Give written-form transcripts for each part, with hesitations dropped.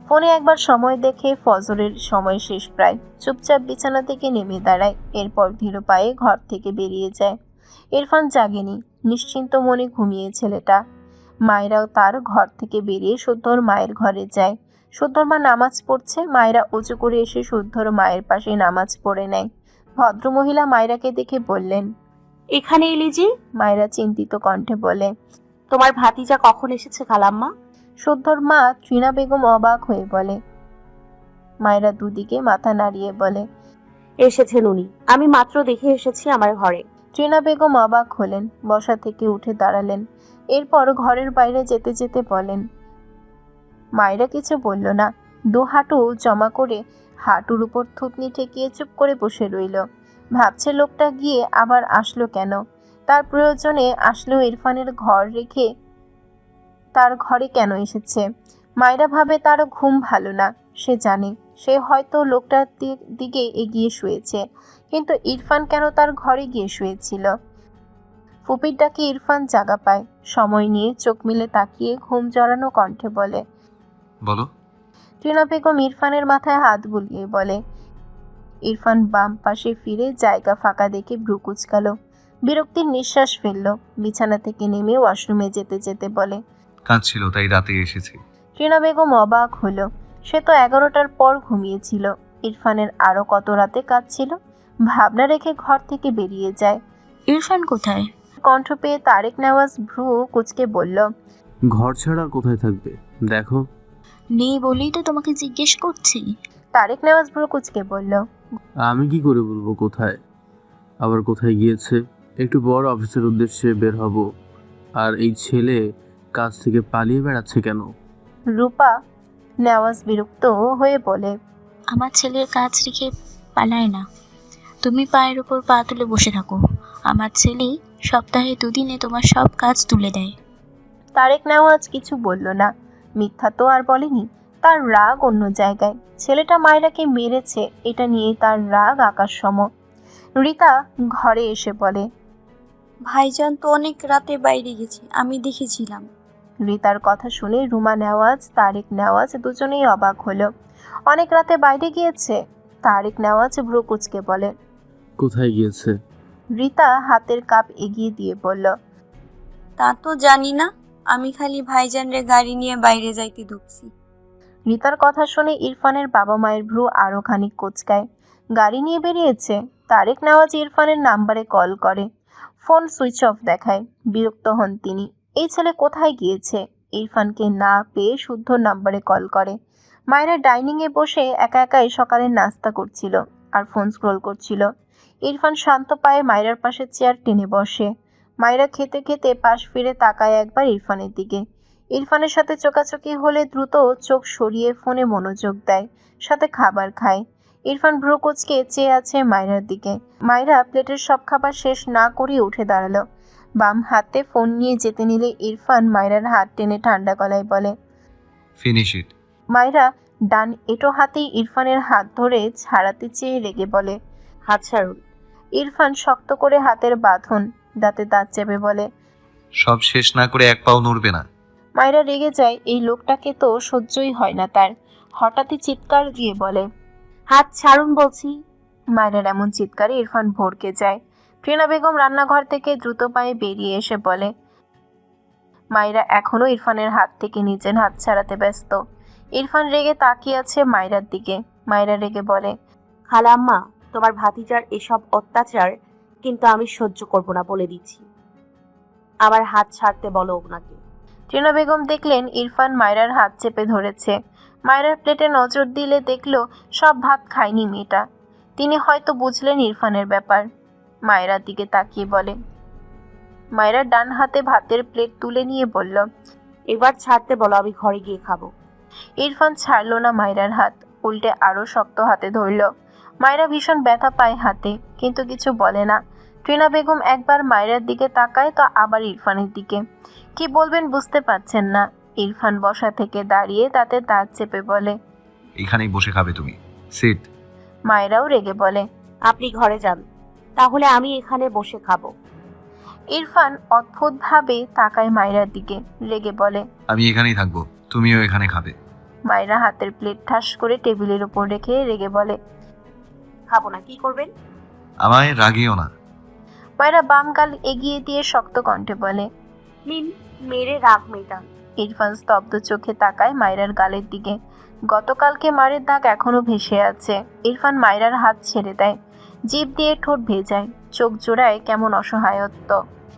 ফোনে একবার সময় দেখে ফজরের সময় শেষ প্রায়। চুপচাপ বিছানা থেকে নেমে দাঁড়ায়, এরপর ধীর পায়ে ঘর থেকে বেরিয়ে যায়। ইরফান জাগেনি, নিশ্চিন্ত মনে ঘুমিয়ে ছেলেটা। মায়েরাও তার ঘর থেকে বেরিয়ে শুদ্ধর মায়ের ঘরে যায়। শুদ্ধর মা নামাজ পড়ছে, মায়েরা উঁচু করে এসে শুদ্ধর মায়ের পাশে নামাজ পড়ে নেয়। ভদ্রমহিলা মায়েরাকে দেখে বললেন, এখানে এলি যে? মায়েরা চিন্তিত কণ্ঠে বলে। তোমার ভাতিজা কখন এসেছে খালাম্মা? শুদ্ধর মা ত্রিনা বেগম অবাক হয়ে বলে। মায়েরা দুদিকে মাথা নাড়িয়ে বলে, এসেছেন উনি, আমি মাত্র দেখে এসেছি আমার ঘরে। ত্রিনা বেগম অবাক হলেন, বসা থেকে উঠে দাঁড়ালেন, এরপর ঘরের বাইরে যেতে যেতে বলেন। মায়েরা কিছু বলল না, দু হাঁটু জমা করে হাঁটুর উপর থুতনি ঠেকিয়ে চুপ করে বসে রইল। ভাবছে লোকটা গিয়ে আবার আসলো কেন, তার প্রয়োজনে আসলেও ইরফানের ঘর রেখে তার ঘরে কেন এসেছে। মায়েরা ভাবে তারও ঘুম ভালো না, সে জানে সে হয়তো লোকটার দিকে এগিয়ে শুয়েছে, কিন্তু ইরফান কেন তার ঘরে গিয়ে শুয়েছিল। ফুপির ডাকে ইরফান জাগা পায়, সময় নিয়ে চোখ মিলে তাকিয়ে ঘুম জড়ানো কণ্ঠে বলে, বলো। টিনা বেগম ইরফানের মাথায় হাত বুলিয়ে বলে। ইরফান বাম পাশে ফিরে জায়গা ফাঁকা দেখে ভ্রু কুঁচকালো, বিরক্তির নিঃশ্বাস ফেলল। বিছানা থেকে নেমে ওয়াশরুমে যেতে যেতে বলে, কাজ ছিল তাই রাতে এসেছি। টিনা বেগম অবাক হলো, সে তো 11টার পর ঘুমিয়েছিল। ইরফানের আরো কত রাতে কাজ ছিল। ভাবনা রেখে ঘর থেকে বেরিয়ে যায়। ইরফান কোথায়? কণ্ঠ পেয়ে তারেক নেওয়াজ ভ্রু কুঁচকে বলল, ঘর ছাড়া আর কোথায় থাকবে দেখো। নেই বলেই তো তোমাকে জিজ্ঞেস করছি। তারেক নেওয়াজ ভ্রু কুঁচকে বলল, আমি কি করে বলবো কোথায়, আবার কোথায় গিয়েছে। একটু বড় অফিসের উদ্দেশ্যে বের হব, আর এই ছেলে কাজ থেকে পালিয়ে বেড়াচ্ছে কেন? রূপা নেওয়াজ বিরক্ত হয়ে বলে, আমার ছেলের কাজ রেখে পালায় না। তুমি পায়ের উপর পা তুলে বসে থাকো। আমার ছেলে সপ্তাহে 2 দিনে তোমার সব কাজ তুলে দেয়। তারেক নেওয়াজ কিছু বলল না, মিথ্যা তো আর বলেনি। তার রাগ অন্য জায়গায়, ছেলেটা মায়রাকে মেরেছে এটা নিয়ে তার রাগ আকাশ সম। রীতা ঘরে এসে বলে, ভাইজান তো অনেক রাতে বাইরে গেছে, আমি দেখেছিলাম। রীতার কথা শুনে রুমা নেওয়াজ তারেক নেওয়াজ দুজনেই অবাক হলো। অনেক রাতে বাইরে গিয়েছে? তারেক নেওয়াজ ভ্রু কুঁচকে বলে। কোথায় গিয়েছে? রীতা হাতের কাপ এগিয়ে দিয়ে বলল, তা তো জানি না, আমি খালি ভাইজানরে গাড়ি নিয়ে বাইরে যাইতে ঢুকছি। রীতার কথা শুনে ইরফানের বাবা মায়ের ভ্রু আরো খানিক কোঁচকায়। গাড়ি নিয়ে বেরিয়েছে? তারেক নেওয়াজ ইরফানের নাম্বারে কল করে, ফোন সুইচ অফ দেখায়। বিরক্ত হন তিনি, এই ছেলে কোথায় গিয়েছে। ইরফানকে না পেয়ে শুদ্ধ নাম্বারে কল করে। মায়েরা ডাইনিংয়ে বসে একা একাই সকালের নাস্তা করছিল আর ফোন স্ক্রোল করছিল। ইরফান শান্ত পায়ে মায়েরার পাশে চেয়ার টেনে বসে। মায়েরা খেতে খেতে পাশ ফিরে তাকায় একবার ইরফানের দিকে। ইরফানের সাথে চোকাচোকি হলে দ্রুত চোখ সরিয়ে ফোনে মনোযোগ দেয়, সাথে খাবার খায়। ইরফান ভ্রু কুঁচকে চেয়ে আছে মায়রার দিকে। মায়রা প্লেটের সব খাবার শেষ না করে উঠে দাঁড়ালো। বাম হাতে ফোন নিয়ে যেতে নিলে ইরফান মায়রার হাত টেনে ঠান্ডা গলায় বলে, ফিনিশ ইট। মায়রা ডান এঁটো হাতেই ইরফানের হাত ধরে ছাড়াতে চেয়ে রেগে বলে, হাত ছাড়ুন। ইরফান শক্ত করে হাতের বাঁধন, দাঁতে দাঁত চেপে বলে, সব শেষ না করে এক পাও নড়বে না। মায়রা রেগে যায়, এই লোকটাকে তো সহ্যই হয় না তার। হঠাৎই চিৎকার দিয়ে বলে, হাত ছাড়ুন বলছি। মায়রার এমন চিৎকারে ইরফান ভড়কে যায়। টিনা বেগম রান্নাঘর থেকে দ্রুত পায়ে বেরিয়ে এসে বলে। মায়রা এখনো ইরফানের হাত থেকে নিজের হাত ছাড়াতে ব্যস্ত। ইরফান রেগে তাকিয়ে আছে মায়রার দিকে। মায়রা রেগে বলে, খালাম্মা, তোমার ভাতিজার এসব অত্যাচার কিন্তু আমি সহ্য করব না, বলে দিচ্ছি। আমার হাত ছাড়তে বলো ওনাকে। টিনা বেগম দেখলেন ইরফান মায়রার হাত চেপে ধরেছে। মায়রার প্লেটে নজর দিলে দেখলো সব ভাত খায়নি মেয়েটা। তিনি হয়তো বুঝলেন ইরফানের ব্যাপার। মায়রার দিকে তাকিয়ে বলে, মায়রার ডান হাতে ভাতের প্লেট তুলে নিয়ে বলল, এবার ছাড়তে বলো, আমি ঘরে গিয়ে খাবো। ইরফান ছাড়ল না মায়রার হাত, উল্টে আরো শক্ত হাতে ধরল। মায়রা ভীষণ ব্যথা পায় হাতে, কিন্তু কিছু বলে না। টিনা বেগম একবার মায়রার দিকে তাকায় তো আবার ইরফানের দিকে। কি বলবেন বুঝতে পারছেন না। ইরফান বসা থেকে দাঁড়িয়ে তাতে দাঁত চেপে বলে, এখানেই বসে খাবে তুমি, সিট। মায়েরাও রেগে বলে, আপনি ঘরে যান, তাহলে আমি এখানে বসে খাবো। ইরফান অদ্ভুতভাবে তাকায় মায়রার দিকে, রেগে বলে, আমি এখানেই থাকবো, তুমিও এখানে খাবে। মায়েরা হাতের প্লেট ঠাস করে টেবিলের উপর রেখে রেগে বলে, খাবো না, কি করবেন? আমায় রাগিও না। মায়েরা বাম গাল এগিয়ে দিয়ে শক্ত কণ্ঠে বলে। নিন, মেরে রাগ মেটান। ইরফান স্তব্ধ চোখে তাকায় মায়রার গালের দিকে। গতকালকে মারের দাগ এখনো ভেসে আছে। ইরফান মায়রার হাত ছেড়ে দেয়, জিভ দিয়ে ঠোঁট ভেজায়, চোখ জোড়ায় কেমন অসহায়ত্ব।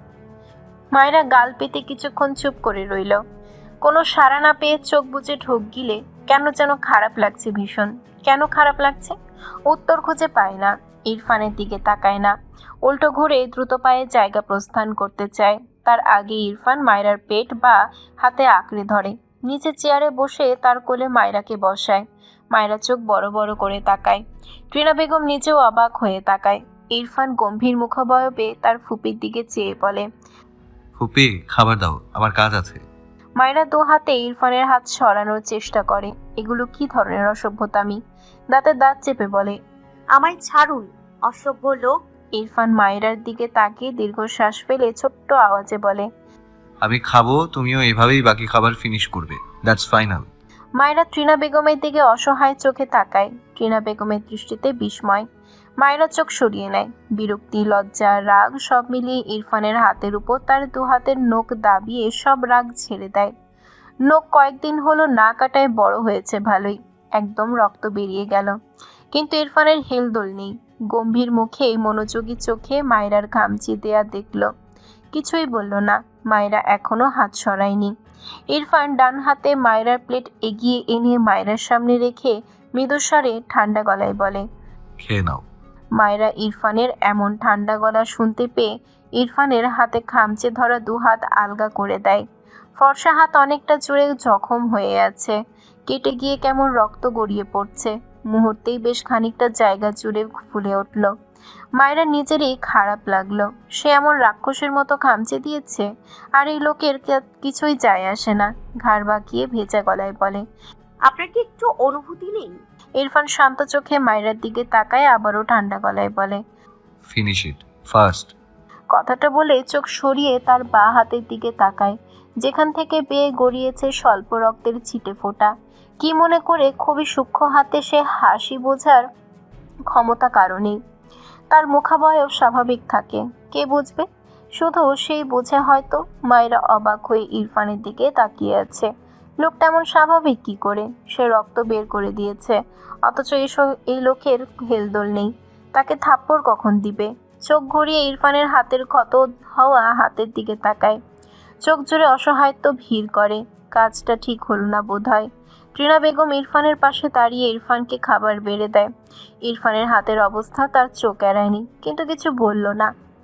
মায়রা গাল পেতে কিছুক্ষণ চুপ করে রইল। কোনো সাড়া না পেয়ে চোখ বুজে ঢোক গিলে কেন যেন খারাপ লাগছে ভীষণ। কেন খারাপ লাগছে উত্তর খুঁজে পায় না। ইরফানের দিকে তাকায় না, উল্টো ঘুরে দ্রুত পায়ে জায়গা প্রস্থান করতে চায়। তার আগে ইরফান মায়রার পেট বা হাতে আঁকড়ে ধরে, নিচে চেয়ারে বসে তার কোলে মায়রাকে বসায়। মায়রা চোখ বড় বড় করে তাকায়। টিনা বেগম নিজেও অবাক হয়ে তাকায়। ইরফান গম্ভীর মুখাবয়বে তার ফুপির দিকে চেয়ে বলে, ফুপি, খাবার দাও, আমার কাজ আছে। মায়রা দু হাতে ইরফানের হাত সরানোর চেষ্টা করে। এগুলো কি ধরনের অসভ্যতামি? দাঁতে দাঁত চেপে বলে, আমায় ছাড়ুন, অসভ্য লোক। ইরফান মায়রার দিকে তাকিয়ে দীর্ঘশ্বাস ফেলে ছোট্ট আওয়াজে বলে, আমি খাবো, তুমিও এভাবেই বাকি খাবার ফিনিশ করবে। That's final. মায়রা টিনা বেগমের দিকে অসহায় চোখে তাকায়। টিনা বেগমের দৃষ্টিতে বিস্ময়। মায়রা চোখ সরিয়ে নেয়। বিরক্তি, লজ্জা, রাগ সব মিলিয়ে ইরফানের হাতের উপর তার দু হাতের নখ দাবিয়ে সব রাগ ছেড়ে দেয়। নখ কয়েকদিন হলো না কাটায় বড় হয়েছে ভালোই, একদম রক্ত বেরিয়ে গেল, কিন্তু ইরফানের হেলদোল নেই। গম্ভীর মুখে মনোযোগী চোখে মায়রার খামচি দেয়া দেখল, কিছুই বলল না। মায়রা এখনো হাত সরায়নি। ইরফান ডান হাতে মায়রার প্লেট এগিয়ে এনে মায়রার সামনে রেখে মৃদুস্বরে ঠান্ডা গলায় বলে, খেয়ে নাও। মায়রা ইরফানের এমন ঠান্ডা গলা শুনতে পেয়ে ইরফানের হাতে খামচে ধরা দু হাত আলগা করে দেয়। ফর্সা হাত অনেকটা জুড়ে জখম হয়ে আছে, কেটে গিয়ে কেমন রক্ত গড়িয়ে পড়ছে। মুহূর্তেই বেশ খানিকটা জায়গা জুড়ে ফুলে উঠল। মায়েরা নিজেরই খারাপ লাগলো, সে এমন রাক্ষসের মতো খামচে দিয়েছে, আর এই লোকের কিছুই যায় আসে না। ঘাড় বাঁকিয়ে ভেজা গলায় বলে, আপনার কি একটু অনুভূতি নেই? ইরফান শান্ত চোখে মায়রার দিকে তাকায়, আবারও ঠান্ডা গলায় বলে, ফিনিশ ইট ফার্স্ট। কথাটা বলে চোখ সরিয়ে তার বাঁ হাতের দিকে তাকায়, যেখান থেকে বেয়ে গড়িয়েছে স্বল্প রক্তের ছিটে ফোঁটা। কি মনে করে খুবই সূক্ষ্ম হাতে সে হাসি বোঝার ক্ষমতা কারণেই তার মুখাবয়ব স্বাভাবিক থাকে। কে বুঝবে? শুধু সেই বোঝে হয়তো। মায়েরা অবাক হয়ে ইরফানের দিকে তাকিয়ে আছে। লোকটা এমন স্বাভাবিক কি করে? সে রক্ত বের করে দিয়েছে, অথচ এই লোকের হেলদোল নেই। তাকে থাপ্পড় কখন দিবে? চোখ ঘুরিয়ে ইরফানের হাতের ক্ষত হওয়া হাতের দিকে তাকায়। চোখ জুড়ে অসহায়ত্ব ভিড় করে। কাজটা ঠিক হলো না বোধহয়। টিনা বেগম ইরফানের পাশে দাঁড়িয়ে ইরফানকে খাবার বেড়ে দেয়। ইরফানের হাতের অবস্থা তার চোখ এড়ায়নি, কিন্তু কিছু বলল না।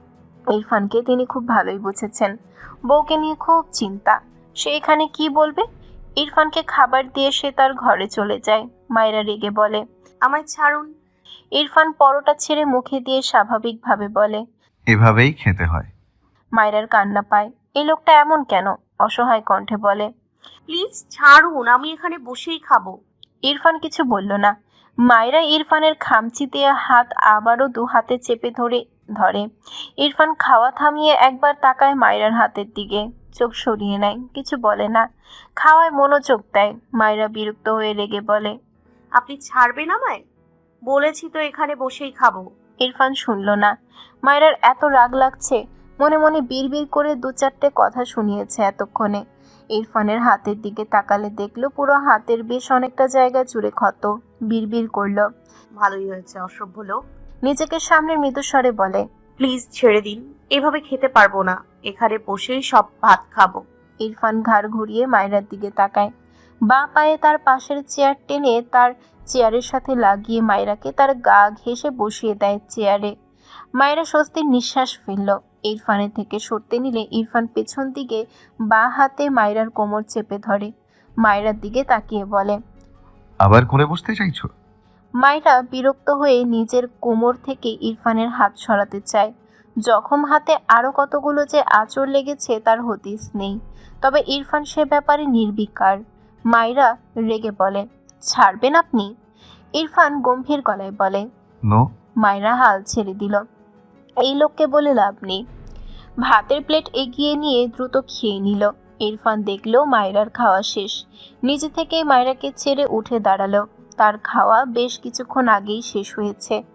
ইরফানকে তিনি খুব ভালোই বুঝেছেন। বউকে নিয়ে খুব চিন্তা। সে এখানে কি বলবে? ইরফানকে খাবার দিয়ে সে তার ঘরে চলে যায়। মায়েরা রেগে বলে, আমায় ছাড়ুন। ইরফান পরোটা ছেড়ে মুখে দিয়ে স্বাভাবিকভাবে বলে, এভাবেই খেতে হয়। মায়েরার কান্না পায়। এই লোকটা এমন কেন? অসহায় কণ্ঠে বলে, প্লিজ ছাড়ুন, আমি এখানে বসেই খাবো। ইরফান কিছু বলল না। মায়েরা ইরফানের খামচি দিয়ে হাত আবারও দু হাতে চেপে ধরে। ইরফান খাওয়া থামিয়ে একবার তাকায় মায়েরার হাতের দিকে, চোখ সরিয়ে নেয়, কিছু বলে না। খাওয়ায় মনোযোগ দেয়। মায়েরা বিরক্ত হয়ে রেগে বলে, আপনি ছাড়বেন আমায়? বলেছি তো এখানে বসেই খাবো। ইরফান শুনল না। মায়েরার এত রাগ লাগছে, মনে মনে বিড়বিড় করে দু চারটে কথা শুনিয়েছে এতক্ষণে। ইরফানের হাতের দিকে তাকালে দেখলো পুরো হাতের বেশ অনেকটা জায়গা জুড়ে ক্ষত। বিড়বিড় করল, ভালোই হয়েছে, অসভ্য লোক। নিজেকে সামনে মৃদুস্বরে বলে, প্লিজ ছেড়ে দিন, এভাবে খেতে পারবো না, এখানে বসেই সব ভাত খাবো। ইরফান ঘাড় ঘুরিয়ে মায়েরার দিকে তাকায়। বাঁ পায়ে তার পাশের চেয়ার টেনে তার চেয়ারের সাথে লাগিয়ে মায়েরাকে তার গা ঘেঁষে বসিয়ে দেয় চেয়ারে। মায়েরা স্বস্তির নিঃশ্বাস ফেলল। ইরফানের থেকে সরতে নিলে ইরফান পেছন দিকে বাঁ হাতে মায়েরার কোমর চেপে ধরে। মায়েরার দিকে তাকিয়ে বলে, আবার কোলে বসতে চাইছো? মায়েরা বিরক্ত হয়ে নিজের কোমর থেকে ইরফানের হাত সরাতে চায়। জখম হাতে আরও কতগুলো যে আঁচড় লেগেছে তার হদিস নেই, তবে ইরফান সে ব্যাপারে নির্বিকার। মায়েরা রেগে বলে, ছাড়বেন আপনি? ইরফান গম্ভীর গলায় বলে, নো। মায়েরা হাল ছেড়ে দিল। এই লোককে বলে লাভ নেই। ভাতের প্লেট এগিয়ে নিয়ে দ্রুত খেয়ে নিল। ইরফান দেখলো মায়রার খাওয়া শেষ। নিজে থেকেই মায়রাকে ছেড়ে উঠে দাঁড়ালো। তার খাওয়া বেশ কিছুক্ষণ আগেই শেষ হয়েছে।